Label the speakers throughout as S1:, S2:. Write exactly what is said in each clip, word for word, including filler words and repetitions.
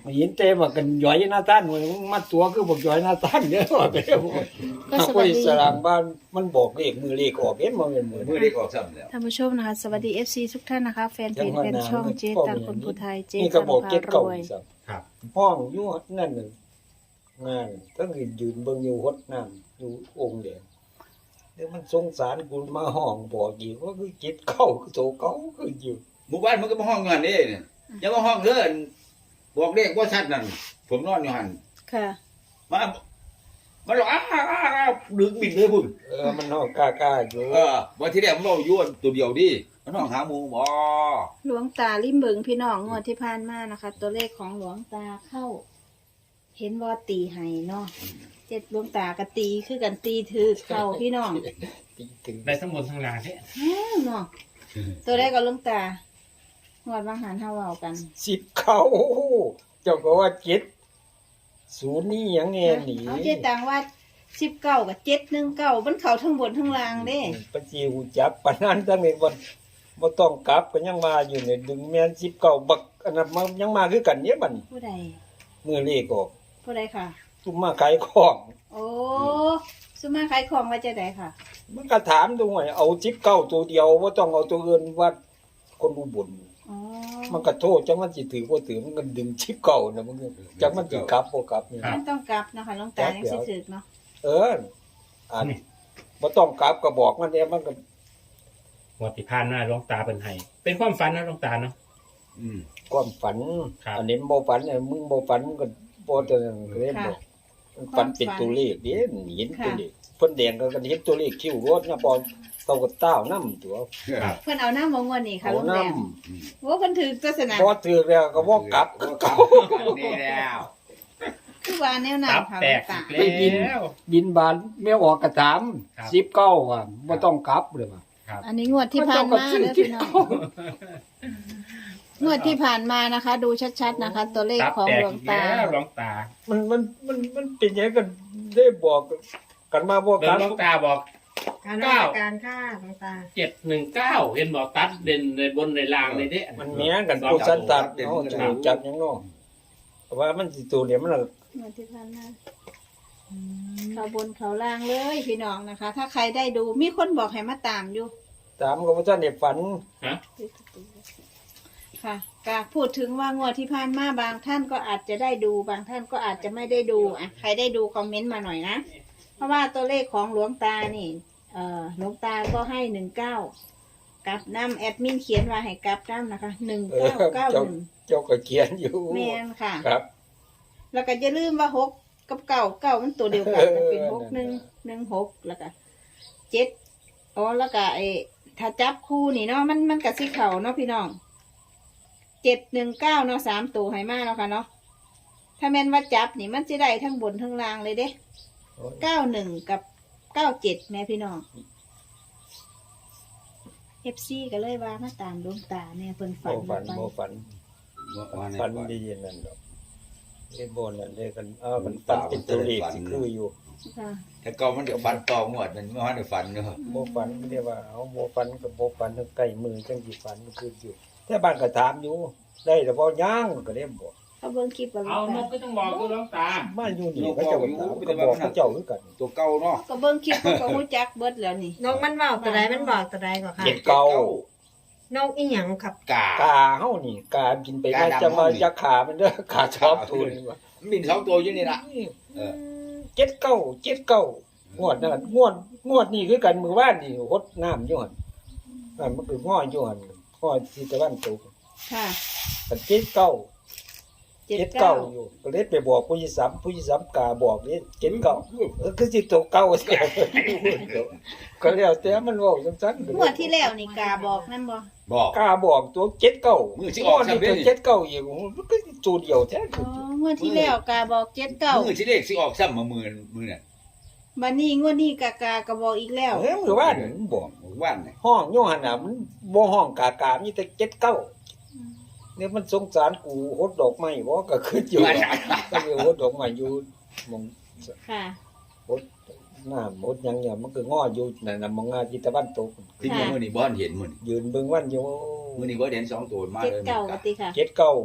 S1: เห็นเต้มากันย่อยหน้าต้านมันมัดตัวคือบอกย่อยหน้าต้านเด้อว่าไปแล้ว
S2: ก็ส
S1: ไป
S2: วัสดี
S1: สร้างบ้านมันบอกเลขมือเลขออกเห็นบ่แม่นมือ
S3: มือเด็กออกซ้ำแล้ว
S2: ท่านผู้ชมนะคะสวัสดี เอฟ ซี ทุกท่านนะคะ แฟนเพจแฟนช่องเจ๊ตังคนผู้ไทยเจ๊
S1: นี่ก็
S2: ตัง
S1: บอก
S2: พา
S1: เจ็ด
S2: ร
S1: เก่า
S2: วย
S1: อีกซ้
S4: ครับ
S1: ำห้องอยู่นั่นน่ะงานทั้งยืนเบิ่งอยู่หดน้ำอยู่องค์เดียวเดี๋ยวมันสงสารกูมาห้องบอกอีกว่าคือเจ็ดเก่าคือโตเก่าคืออยู่
S3: หมู่บ้านมันก็มาห้องเงินนี่เนี่ยอย่ามาห้องเด้อบอกเลขว่าชัดนั่นผมนอนอยู่หัน
S2: ค่ะ
S3: มามาหลอกอ้าอ้าอ้าดึงบินเลยพุ่น
S1: เออมันห้องกล้าๆอยู่
S3: เออวันที่แรกมันบอกย้วนตัวเดียวดิมันห้องหาหมูบ่
S2: หลวงตาลิมเบิงพี่น้องงวดที่ผ่านมานะคะ ตัวเลขของหลวงตาเข้า เห็นว่าตีไห้เนาะเจ็ดหลวงตากะตีคือกันตีถือเข้าพี่น้อง
S1: ตีถึง
S4: ได้ทั้งบนทั้งล่างใช่
S2: แฮ่เนาะตัวแรกก็หลวงตางวดบางหันเฮาเว้ากัน
S1: สิบเก่าเจ้าก็ว่าเจ็ดศูนย์นี่หยังแน่หนี
S2: เอาเจ๊ตังว่าสิบเก้ากับเจ็ดหนึ่งเก้ามันเข้าทั้งบนทั้งล่างเด้
S1: ปะจิวจับปานนั้นทั้งนี้บ่บ่ต้องกลับก็ยังมาอยู่เนี่ยดึงแม่นสิบเก้าบักอันนั้นมันยังมาคือกันเนี่ยบัดนี้
S2: ผู้ใด
S1: มือเลขออก
S2: ผู้ใดค่ะ
S1: ตุ้มมาขายของ
S2: โอ้สุมาขายของว่าจะได้ค่ะ
S1: มันก็ถามดูว่าเอาสิบเก้าตัวเดียวบ่ต้องเอาตัวอื่นว่าคนอุบล
S2: อ๋อ
S1: มันก็โทษจังมันสิถือบ่ถือมันก็ดึงสิบเก้าน่ะมันก็จังมันสิกลับบ่กลับนี่
S2: มันต้องกลับเนาะค่ะหลวงตายังสิถึกเนาะ
S1: เอออันบ่ต้องกลับก็บอกมันแน่มันก็
S4: งวดที่ผ่านมาหลวงตาเป็นไห้เป็นความฝันนะหลวงตาเนาะ
S3: อืม
S1: ความฝัน
S4: ครับ
S1: อันนี้บ่ฝันเนี่ยมึงบ่ฝันก็บ่จะนั่นก็เลยบอกมันฝันเป็นตัวเลขเด้เห็นตัวเลขเพิ่นแดงก็กันเห็นตัวเลขคิ้วรถนะบ่เขาก็ต้าวนำตัว
S4: ครับ
S2: เพิ่นเอาน้ำมางวนนี่ค่ะ
S1: เอา
S2: ลุงแด
S1: นำ
S2: งว่าเพิ่นถือตัวสนาม
S1: บ่ถือแล้วก็บ่กลับคือเก่า
S3: นี่แล้ว
S2: คือว่าแนวนั้
S4: ตั
S2: น
S4: บ
S2: ค่ะ
S4: แต
S2: หลว
S4: ก
S2: งตา
S4: อีกแล้ว
S1: บินบานแม่ออกกระถาม
S4: ครับ
S1: สิบเก้าอ่ะบ่ต้องกลับเลยว่ะ
S2: อันนี้งวดที่ผ่านมาเด้อพี่น้องงวดที่ผ่านมานะคะ ดูชัดๆนะคะ ตัวเลข
S4: ตับ
S2: ของ
S4: แตก
S2: หลวง
S4: อีก
S2: ตา
S4: แล้วหลวงตา
S1: มันมันมันมันเป็นอย่างกันได้บอกกันมาบ่
S4: เดิ
S1: กลั
S4: น
S1: บ
S4: หลวงตาบอก
S5: การราชการค่าต่าง
S4: เจ็ดหนึ่งเก้าเห็นบอกตัดเด่นในบนในล่างเลยเด้
S1: มันแม่งกันพวกสันตัดเนาะจะจับหยังเนาะแต่ว่ามันสิตัวเดียวมันน่ะ
S2: งวดที่ผ่านมาเขาบนเขาล่างเลยพี่น้องนะคะ ถ้าใครได้ดูมีคนบอกให้มาตามอยู่
S1: ตามก็บ่ทันได้ฝัน
S4: ฮะ
S2: ค่ะก็พูดถึงว่างวดที่ผ่านมาบางท่านก็อาจจะได้ดูบางท่านก็อาจจะไม่ได้ดูอ่ะใครได้ดูคอมเมนต์มาหน่อยนะเพราะว่าตัวเลขของหลวงตานี่ เอ่อหลวงตาก็ให้หนึ่งเก้ากลับน้ำแอดมินเขียนว่าให้กลับน้ำนะคะหนึ่ง
S1: เออ
S2: เก้าเก้า
S1: เจ้า
S2: หนึ่ง
S1: เจ้าก็เขียนอยู่
S2: แมนค่ะ
S1: ครับ
S2: แล้วก็อย่าลืมว่าหกกับเก้าเก้ามันตัวเดียวกันมันเป็นหกหนึ่งหนึ่งหกแล้วก็เจ็ดอ๋อแล้วก็ไอ้ถ้าจับคู่นี่เนาะมันมันกับสีเข่าเนาะพี่น้องเจ็ดหนึ่งเก้าเนาะสามตัวให้มาแล้วค่ะเนาะถ้าแม่นว่าจับนี่มันจะได้ทั้งบนทั้งล่างเลยเด้เก้าหนึ่งกับเก้าเจ็ดแม่พี่น้องเอฟซีก็เลยว่ามาตามดวงตาเนี่ยเพิ่นฝั
S1: บ่
S2: น
S1: ฝัน
S2: ไป
S1: บ่ฝัน
S3: ว่าใน
S1: ฝัน
S3: ฝัน
S1: ดีอย่างนั้นดอกไอ้บ่นั่นเลยกันเออมันฝันเป็นตัวเลขสิคืออยู่
S2: ค่ะ
S3: แต่ก็มันเดี๋ยวฝันต่องวดมันไม่ว่าในฝันเนาะ
S1: บ่ฝันเรียกว่าเอาบ่ฝันก็บ่ฝันใกล้มือจังสิฝันมันคืออยู่แต่บ้านก็ถามอยู่ได้แต่บ่ย่างก็เลยบอก
S2: เขาเบิ่งคลิปกับหลว
S4: เอา
S2: ง
S4: น
S2: ตาก
S4: ก็ต้องบอกคือหลวงตา
S1: มาอยู่นี่เขาเจ้าก็ถามก็บอกเขาเจ้าคือกัน
S3: ตัวเก่าเนาะ
S2: ก็เบิ่งคลิปเขาก็รู้จักเบิดแล้วนี่
S5: ๆนกมันบอกตัวใดมันบอกตัวใดก่อนค่ะ
S1: เจ็ดเก้าน
S5: กอีหยังครับ
S3: กาก
S1: าเฮานี่กากินไปว่าจะมาจะขามันเด้อขาชอบทุนว่า
S3: มันบินสองตัวอยู่นี่ล่ะ เออ
S1: เจ็ดเก้าเจ็ดเก้างวดนั่นงวดงวดนี่คือกันมือว่านนี่หดน้ำอยู่หั่นนั่นมันคือง้ออยู่หั่นง้อที่ตะวันตก
S2: ค่ะ
S1: กันเจ็ดเก้า
S2: เจ็ด
S1: เจ็ด
S2: เก้า
S1: เก้าอยู่ก็เลยไปบอกผู้ยิสัมผู้ยิสัมกาบอกนี่เจ็ดเก้าเออคือสิตกเก้าเสียก็แล้วแต่มันบอกจังๆ
S2: งวดที่แล้วนี่กาบอกนั่นบ่
S3: บอก
S1: กาบอกตัวเจ็ดเก้า
S3: มือสิออก
S1: นี่
S3: ซ้ำเด้
S1: ตัว
S3: นี่
S1: เจ็ดเก้าอีกมันก็ตัวเดียวแท้
S2: อ๋องวดที่แล้วกาบอกเจ็ดเก้า
S3: มือสิเลขสิออกซ้ำมามือมือน่ะ
S2: บัดนี้งวดนี้กากากาบอกอีกแล้ว
S1: เฮ้ยมือว่านมันบอก
S3: ว่านน่ะ
S1: ห้องโยหันน่ะมันบ่ห้องกากามีแต่เจ็ดเก้าเนี่ยมันสงสารกูหดดอกไม้บ่ก็คืออยู่ก็มีหดดอกไม้อยู่หมอง
S2: ค่ะ
S1: หดน้ำหดหยังเนี่ยมันก็ง้ออยู่นั่นน่ะมองงาจิตะวันตก
S3: ที่มือนี่บ่เห็นมือนี่
S1: ยืนเบิ่งวันอยู่
S3: มือนี่บ่เห็นสองตัวมา
S2: เจ็ด
S3: เลย
S2: เก้าปฏิค่ะ
S1: เจ็ดเก้า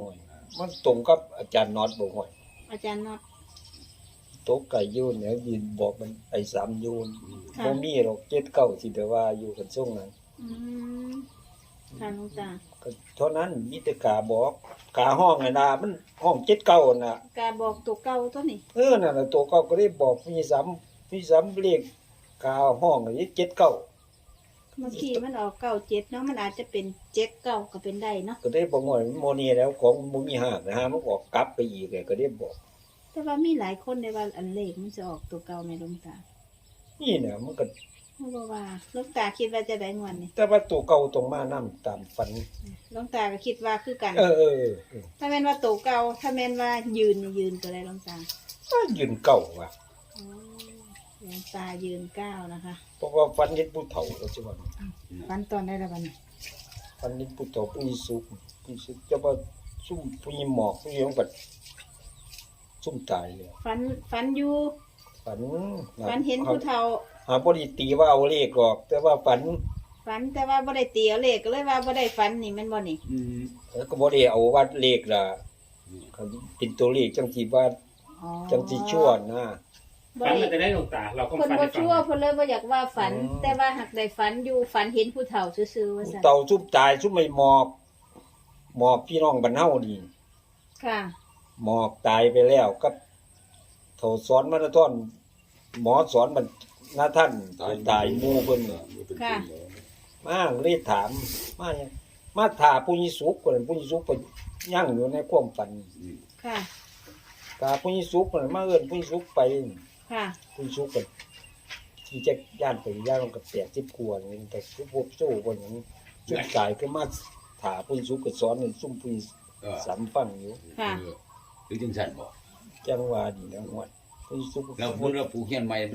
S1: มันตรงกับอาจารย์น็อตบ่ห่วย
S2: อาจารย์น็อต
S1: โต๊ะไก่ยูนเนี่ยยินบอกมันไอ้สามยูน
S2: ค่ะ
S1: บ่มีหรอกเจ็ดเก้าที่แต่ว่าอยู่กันช่วงนั้น
S2: อืมค่ะหลวงตา
S1: ก็เท่านั้นมีแต่กาบอกกาห้องไงนะมันห้องเจ็ดเก้าน่ะ
S2: กาบอกตัวเก่าตัวนี้
S1: เออนั่นน่ะตัวเก้าก็ได้บอกมีสามมีสามเลขกาห้องอันนี้เจ็ดเก้า
S2: เมื่อกี้มันออกเก้าเจ็ดเนาะมันอาจจะเป็นเจ็ดเก้าก็เป็นได้เนาะ
S1: ก็ได้บอกว่ามันโมเนีแล้วของบ่มีห้างนะฮะมันออกกลับไปอีกเลยก็ได้บอก
S2: แต่ว่ามีหลายคนในว่าอันเลขมันจะออกตัวเก่าไหมหลวงตา
S1: นี่น่ะมันก็
S2: เพราะว่าหลวงตาคิดว่าจะได้งวดนี่
S1: แต่ว่าตัวเก่าตรงมานํตามฝัน
S2: หลวงตาก็คิดว่าคือกัน
S1: เออเออเออเออ
S2: ถ้าแม่นว่าตัวเก่าถ้าแม่นว่ายืนนี่ยืนตัวใดหลวงตา
S1: ก็ยืนเก่าว่ะ
S2: อ๋อหลวงตายืนเก้านะคะ
S1: เพราะว่าฝันเห็นผู้เฒ่าแล้วใช่บ่
S2: ฟันตอนได้แล้วบัดนี้
S1: ฝันเห็นผู้เฒ่าผู้มีสุขผู้สุขจะว่าซุ่มผู้มีหมอกผู้ยังบัดซุ่มตายเลย
S2: ฟันฟันอยู่
S1: ฝัน
S2: ฟันเห็นผู้เฒ่า
S1: หาบ่ได้ตีว่าเอาเลขหรอก แต่ว่าฝัน
S2: ฝันแต่ว่าบ่ได้เตียวเลขก็เลยว่าบ่ได้ฝันนี่แม่นบ่นี่
S3: อืม
S1: เออก็บ่ได้เอาว่าเลขล่ะคันเป็นตัวเลขจังสิว่า
S2: อ๋อ
S1: จังสิชั่วนะ
S2: บ่
S4: ฝัน
S2: ได้
S4: มันจะได้หลวงตา เราก็
S2: เพิ่น
S4: ฝัน
S2: บ่
S4: ให้ฟัง
S2: ชั่วเพิ่นเลยบ่อยากว่าฝัน
S1: อืม
S2: แต่ว่าหักได้ฝันอยู่ฝันเห็นผู้เฒ่าซื่อๆว่า
S1: ผู้
S2: ซั่น
S1: เต่าซุ่มตายซุ่มไม่หมอกหมอกพี่น้องบ้านเฮานี่
S2: ค่ะ
S1: หมอกตายไปแล้วกับโถสอนมาราธอนหมอสอนมันหน้าท่านตายหมู่เพิ่นน่ะ
S2: ค่ะ
S1: มาเลยถามมาหยังมาถาผู้ยิสุกคนผู้ยิสุกก็ยั่งอยู่ในความฝัน
S2: ค่ะ
S1: ถาผู้ยิสุกคนมาเอิ้นผู้ยิสุกไป
S2: ค่ะ
S1: ผู้ยิสุกก็ที่จะย่านไปย่านมันก็แปดสิบกว่านี่แต่พวกโซ่คนหยังจุดตายก็มาถาผู้ยิสุกก็สอนให้ซุ่มผู้ยิ
S3: เออ
S1: สัมฟังอยู่
S2: ค่ะ
S3: เออหรือจังซั่นบ่
S1: จังหวะนี่นะฮวดผู้ยิสุกก็
S3: แล้วพูดแล้วผู้เฮียนใหม่มัน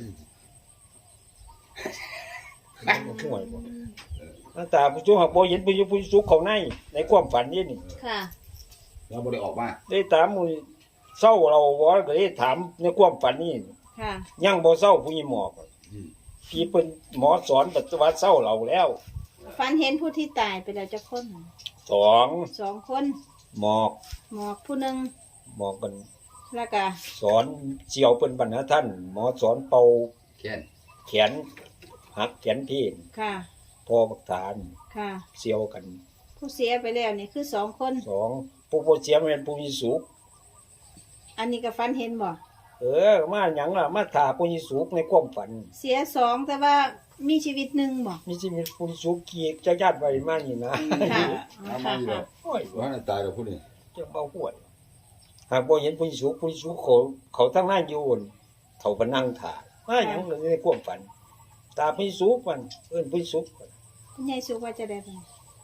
S1: มันห่วยบ่หน้าตาผู้ยิสุกหักบ่เห็นผู้ยิผู้ยิสุกเขาในในความฝันนี่นี่
S2: ค่ะ
S3: เราบ่ได้ออกมา
S1: ได้ถามมื้อเศร้าเราบ่ก็ได้ถามในความฝันนี่
S2: ค่ะ
S1: ยังบ่เศร้าผู้หญิงหมอก
S3: อืม
S1: พี่เพิ่นหมอสอนปัจจุบันเศร้าเราแล้ว
S2: ฝันเห็นผู้ที่ตายไปแล้วจักคน
S1: สอง
S2: สองคน
S1: หมอก
S2: หมอกผู้หนึง
S1: หมอกกัน
S2: แล้วก็
S1: สอนเจียวเพิ่นบรรณาท่าน หมอสอนเป่า
S3: แค่น
S1: แขนหักแขนพี่
S2: ค่ะ
S1: พอบักฐาน
S2: ค่ะ
S1: เสียวกัน
S2: ผู้เสียไปแล้วนี่คือสองคน
S1: สองผู้บ่เสียแม่นผู้มีสุข
S2: อันนี้ก็ฝันเห็นบ่
S1: เออมาหยังล่ะมาถ่าผู้มีสุขในความฝัน
S2: เสียสองแต่ว่ามีชีวิตหนึ่งบ่
S1: มีสิมีผู้มีสุขเกียจะญาติไว้มานี่นะ
S2: ค่ะ
S3: เอามาอยู่แล้ว
S1: โอ้ย
S3: ว่าน่ะตายแล้วผู้นี้
S1: จะเบาห่วยหากบ่เห็นผู้มีสุขผู้มีสุขเขาเขาทั้งหน้าอยู่นั่นเขาก็นั่งถ่ามาหยังในความฝัน ตาผู้มีสุขมันเอิ้นผู้มีสุข
S2: คุณยายสุว่าจะได้บ่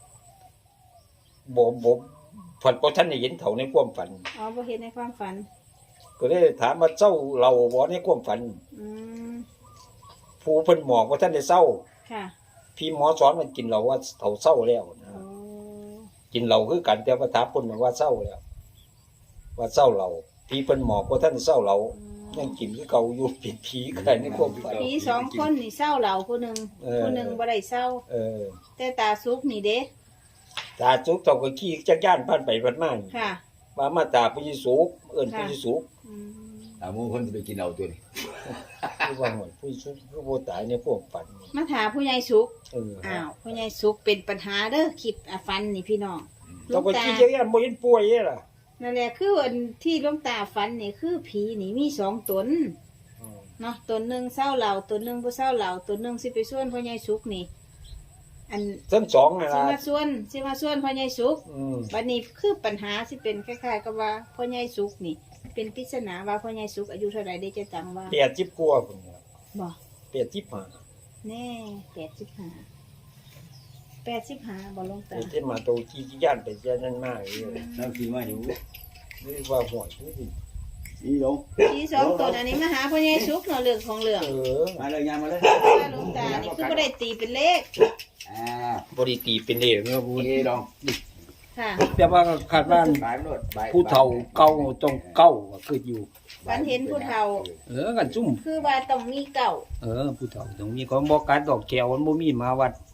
S1: บ่บ่ฝันบ่ทันได้เห็นเขาในความฝัน
S2: อ๋อบ่เห็นในความฝัน
S1: ก็เลยถามว่าเจ้าเราบ่ในความฝัน
S2: อืม
S1: ผู้เพิ่นหมอกว่าท่านได้เศร้า
S2: ค่ะ
S1: พี่หมอสอนมันกินเราว่าเขาเศร้าแล้วนะ
S2: โอ้
S1: กินเราคือกันแต่ว่าถามเพิ่นว่าเศร้าแล้ว ว่าเศร้าเราพี่เพิ่นหมอกว่าท่านเศร้าเรายังกินคือเก่าอยู่ผิดผีกันในความฝัน
S2: ผีสองคนนี่เศร้าเหล่าผู้หนึ่ง
S1: เออ
S2: ผู้หนึ่งบ่ได้เศร้า
S1: เออ
S2: แต่ตาสุกนี่เด้
S1: ตาสุกเท่ากับขี้จักย่านผ่านไปผ่านมานี่
S2: ค่ะ
S1: ว่ามาตาผู้ยิสุกเอิ้นผู้ยิสุก
S2: อืม
S3: อ่าหมู่เพิ่นสิไปกินเอาตัวนี้
S1: คือว่าหวยผู้ยิสุกคือบ่ตายในความฝันนี่
S2: มาถามผู้ใหญ่สุก
S1: เออ
S2: อ้าวผู้ใหญ่สุกเป็นปัญหาเด้อคลิปอ่ะฟันนี่พี่น้องหล
S1: เท่าว
S2: ง
S1: กับ
S2: ตา
S1: ขี้จักย่านบ่เห็นป่วยเด้ล่ะ
S2: นั่นแหละคืออันที่หลวงตาฟันนี่คือผีนี่มีสองตน
S1: อืม
S2: เนาะตัวหนึ่งเศร้าเหล่าตัวหนึ่งบ่เศร้าเหล่าตัวหนึ่งสิไปส่วนพ่อใหญ่สุกนี่ อัน
S1: ทั้งสองนั่น
S2: สิ
S1: ล่ะ
S2: มาส่วนสิมาส่วนพ่อใหญ่สุก
S1: อืม
S2: บัดนี้คือปัญหาสิเป็นคล้ายๆกับว่าพ่อใหญ่สุกนี่ เป็นปริศนาว่าพ่อใหญ่สุกอายุเท่าไหร่ได้จะจำว่า
S1: แปดสิบกว่าพุ่นน่ะ
S2: บ่
S1: แปดสิบห้า
S2: แน่แปดสิบห้าแปดสิบห้าบ่หลวง
S1: ไอ้
S2: ตา
S1: ที่มาโตขี้ย่านไปย่านนั่นมากเลย
S3: นั่งกินมาอยู่
S1: นี่ว่าห่วยนี่ดิ
S3: อีหลง
S2: ผีสองตนอันนี้มาหาพ่อใหญ่สุกเนาะเรื่องของเรื่อง
S1: เออ
S3: มาเลยยามมาเลย
S2: ว่าหลวงตานี่คือบ่ได้ตีเป็นเลข
S3: อ่า
S1: บริตีเป็นเดชเนาะพู
S3: โอ
S1: ด
S3: เคลอง
S2: ค่ะ
S1: แต่ว่าคาดว่า
S3: บายไปโลดบาย
S1: ผู้เฒ่าเก่าต้องเก่าก็คืออยู่
S2: ฝันเห็นผู้เฒ่า
S1: เออกันซุ่ม
S2: คือว่าต้องมีเก่า
S1: เออ ผู้เฒ่าต้องมีของบ่การดอกแก้วมันบ่มีมาวัด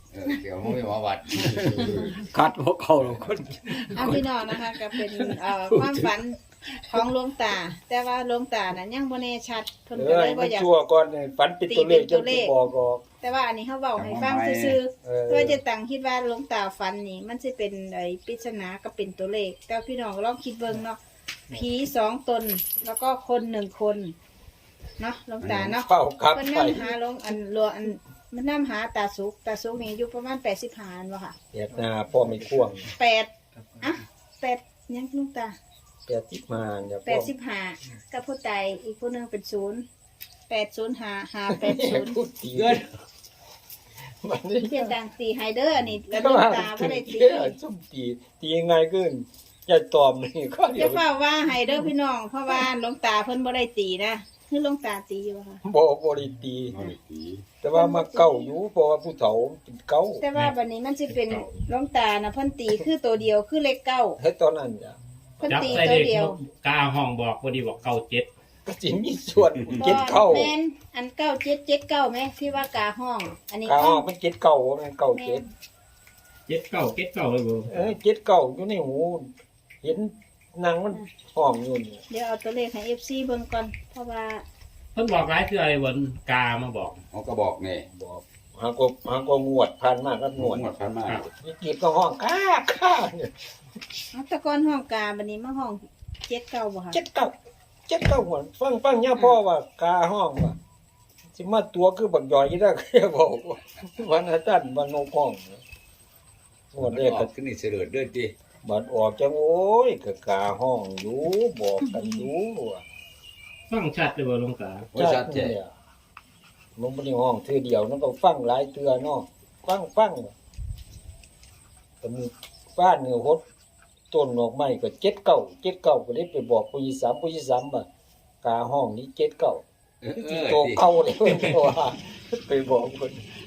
S3: เออเกี่ยวมันไม่มาวัด
S1: คัดหัวเขาแล้วคน
S2: เอาพี่น้องนะคะก็เป็นเอ่อความฝันของหลวงตา แต่ว่าหลวงตานั้นยังบ่แน่ชัดเพิ่น
S1: เอ
S2: ก็
S1: อ
S2: เลย
S1: ให้
S2: บ่
S1: มัน
S2: อยาก
S1: ชั่วก่อนนี่ฝันเป็นตัวเลข
S2: ตีเป็นตั
S1: จะ
S2: วเลข
S1: บอกออก
S2: แต่ว่าอันนี้เขาเว้าให้ฟังซื่อ
S1: เออ
S2: ๆเพื่อจะตั้งคิดว่าหลวงตาฝันนี่มันสิเป็นไอ้ปริศนาก็เป็นตัวเลข แต่พี่น้องลองคิดเบิ่งเนาะผีสองตนแล้วก็คนหนึ่งคนเนาะหลวงตาเนาะ
S1: เฝ้าครับ
S2: เพิ่น
S1: ไป
S2: นำหาหลวงอันหลวงอันมันนำหาตาสุกตาสุกนี่อายุประมาณแปดสิบห้าอันบ่ค่ะ
S1: เฮ็ดหน้าพ่อไม่ควง
S2: แปดอ่ะแปดยังหลวงตา
S1: แปดสิบห้าเนี่ย
S2: แปดสิบห้ากับผู้ตายอีกผู้หนึงเป็นศูนย์แปดศูนย์ห้าห้าแปดศูนย์
S1: พูดตีกันมันนี่
S2: เพียงต่างตีไฮเดอร์อันนี้แล้วหลวงตาบ่ได้ตี
S1: ส้มตีตียังไงขึ้นอย่าตอมนี่ก็เดี๋
S2: จะ
S1: ยว
S2: เฝ้าว่าไฮเดอร์พี่น้องเพราะว่าหลวงตาเพิ่นบ่ได้ตีนะคือหลวงตาตีอยู่ค่ะ
S1: บ่บ่ได้ตี แต่ว่ามาเก้าอยู่เพราะว่าผู้เฒ่าเป็นเก้า
S2: แต่ว่าบัดนี้มันสิเป็นหลวงตานะเพิ่นตีคือตัวเดียวคือเลขเก้า
S1: เฮ็ดตอนนั้นจ้ะ
S2: เพิ่น
S4: จับ
S2: ตี
S4: ใส่
S2: ตัว
S4: เด็ก
S2: เดียว
S4: กาห้องบอกพอดีบอกเก้าเจ็ด
S1: ก็สิมีส่วนเจ็ดเข้า
S2: แม่นอันเก้าเจ็ดเจ็ดเก้าแม่ที่ว่ากาห้อง อันนี้
S1: กา
S2: ห้
S1: อ
S2: อ
S1: อง กมันเจ็ดเก้าแม่นเก้า
S2: แม่
S1: เจ็ด
S2: น
S4: เจ็ดเก้าเจ็ดเก้าเลยบ่
S1: เอ้ยเจ็ดเก้าอยู่ในหู เห็นนางมันห้องอยู่นี่
S2: เดี๋ยวเอาตัวเลขให้ เอฟ ซี เบิ่งก่อนเพราะว่า
S4: เพิ่นบอกหลายคืออะไรวันกามาบอก
S3: เขาก็บอกนี่
S1: บอกหาก็หาก็งวดผ่านมาก็ง
S3: หม
S1: ว
S3: ด
S1: ด
S3: หมดพันมา
S1: วิกฤตก็ห้องก้าก้าเนี่ย
S2: เอาแตะกอนห้องกาบัดนี้มาห้องเจ็ดเก้าบ่ค่ะ
S1: เจ็ดเก้าเจ็ดเก้าหัวฟังฟังย่าพ่อว่ากาห้องว่าสิมาตัวคือบักยอยที่ได้เคยบอกว่าวันอาจารย์วันโนห้องงวดแรก
S3: อ
S1: ก็
S3: อกขึ้นนี่เสด็จเด้อจี
S1: บัดออกจังโอ้ยก็กาห้องอยู่บอกกันอยู่ว่า
S4: ฟังชัดเลยบ่หลวงตา
S3: ว่าชัดเจน
S1: เนี่ยมันบ่ได้ห้องเทื่อเดียวนั่นก็ฟังหลายเทื่อเนาะฟังฟังก็มีบ้านเนื้อหดต้นดอกไม้ก็เจ็ดเก้าเจ็ดเก้าก็ได้ไปบอกผู้ยี่สามผู้ยี่สามว่ากาห้องนี้เจ็ดเก้า
S3: เออเอ
S1: ที่
S3: อ
S1: โตเก่าเลยว่าไปบอกคน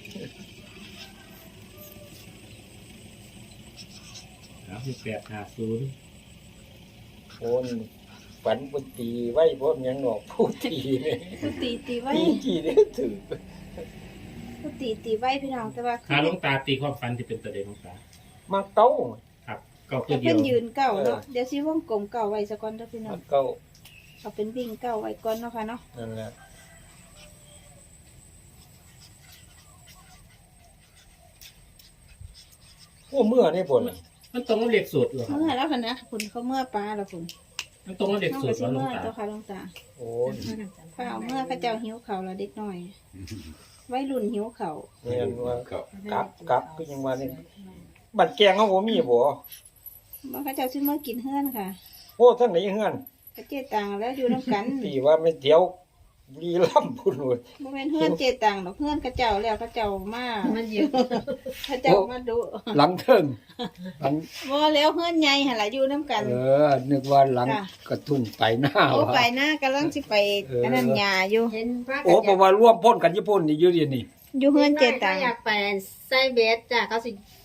S4: ครับที่แปดห้าศูนย์
S1: คนฝันบนตีไว้พวกยังหนอกผู้ตีเนี่ย
S2: ผู้ตีตีไว้
S1: ตีกี่เนี่ยถือ
S2: ผู้ตีตีไว้พี่น้องแต่ว่า
S4: หาหลวงตาตีความฝันที่เป็นตัวเด็กหลวงตา
S1: มาเก้า
S4: ครับเก้าตั
S2: จะ
S4: วเดี
S2: เป็
S4: ย
S2: น
S4: ว
S2: ยืนเก้าเนาะเดี๋ยวสิวงกลมเก้าไว้ซะก่อนเด้อพี่น้อ
S1: มาง เก้า
S2: เอาเป็นวิ่งเก้าไว้ก่อนเนาะค่ะเนาะ
S1: นั่นแหละโอ้เมื่อนี่ผล
S4: มันตรงกับเลขสูตรเหรอครับ
S2: เมื่อแล้วค่ะนะคุณเขาเมื่อปลาแล้วคุณ
S4: มันตรงกับเลข
S2: น้อง
S4: สู
S2: ก็
S4: ตร
S2: สิ
S4: เหรอหลว
S2: เมื่
S4: ง
S2: อ
S4: ตา
S2: ตัวค่ะหลวงตา
S1: โอ้
S2: ข้าวเมื่อเขาเจ้าหิวเขาวแล้วเด็กน้อยไว้รุ่นหิวเขาว
S1: เรียนว่า
S3: ครับ
S1: กลับกลับก็ยังว่านี่บัดแกงเขาบ่มีบ่
S2: เมื่อเขาเจ้าซื้อเมื่อกินเฮือนค่ะ
S1: โอ้ทั้งไหนเฮือน
S2: กระเจตังแล้วอยู่น้ำกัน
S1: ตีว่าไม่เที่ยวบุรีรัมย์พุ่นเลย
S2: บ่แม่นเฮือนเจตังดอกเฮือนเขาเจ้าแล้วเขาเจ้ามามันอยู่เขาเจ้ามาดู
S1: หลังเทิงหลัง
S2: บ่แล้วเฮือนใหญ่หั่นล่ะอยู่น้ำกัน
S1: เออ นึกว่าหลัง
S2: จ้ะ
S1: กระทุ่งไปหน้า
S2: โอ้
S1: วะ
S2: ไปหน้ากำลังสิไป
S1: เอออั
S2: อันนั้นหญ้าอยู่
S5: เห็นว่า
S1: โอ้เพราะว่าร่วมพ่นกันญี่ปุ่นนี่อยู่เดียวนี่
S2: อยู่เฮือนเจตัง
S5: อยากไปใส่เบสจ้ะเขาสิ